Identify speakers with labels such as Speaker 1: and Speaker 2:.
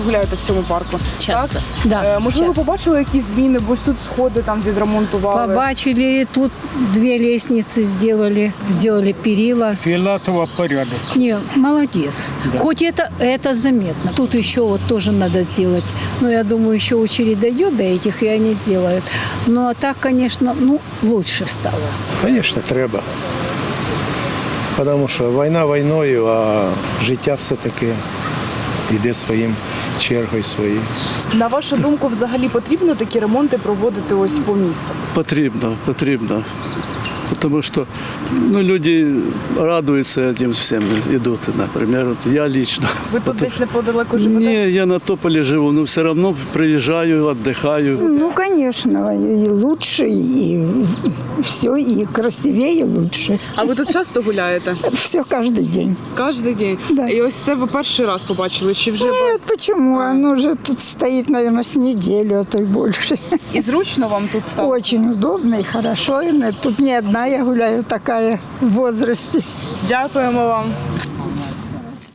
Speaker 1: гуляєте в цьому парку?
Speaker 2: Часто.
Speaker 1: Так?
Speaker 2: Да,
Speaker 1: Можливо,
Speaker 2: часто.
Speaker 1: побачили якісь зміни, бо ось тут сходи там відремонтували.
Speaker 2: Побачили, тут 2 лестницы сделали перила.
Speaker 3: Филатова порядок.
Speaker 2: Не, молодец. Хоть это заметно. Тут еще вот тоже надо делать. Но я думаю, еще очередь дойдет до этих, и они сделают. Ну, а так, конечно, лучше стало.
Speaker 4: Звісно, треба. Тому що війна війною, а життя все-таки йде своїм чергою своєю.
Speaker 1: На вашу думку, взагалі потрібно такі ремонти проводити ось по місту?
Speaker 5: Потрібно. Потому что люди радуются этим всем, идут, например, вот я лично.
Speaker 1: Ви тут десь неподалеку живете?
Speaker 5: Не, я на Тополе живу, но все равно приезжаю, отдыхаю.
Speaker 6: Ну, конечно, и лучше, и все, и красивее лучше.
Speaker 1: А ви тут часто гуляєте?
Speaker 6: Все каждый день.
Speaker 1: Кожен день?
Speaker 6: Да.
Speaker 1: І ось це ви перший раз побачили, чи вже?
Speaker 6: Нет, почему? Оно уже тут стоит, наверное, с неделю, а то и больше.
Speaker 1: І зручно вам тут стало?
Speaker 6: Очень удобно и хорошо. И тут не одна я гуляю такая в возрасте.
Speaker 1: Дякуємо вам.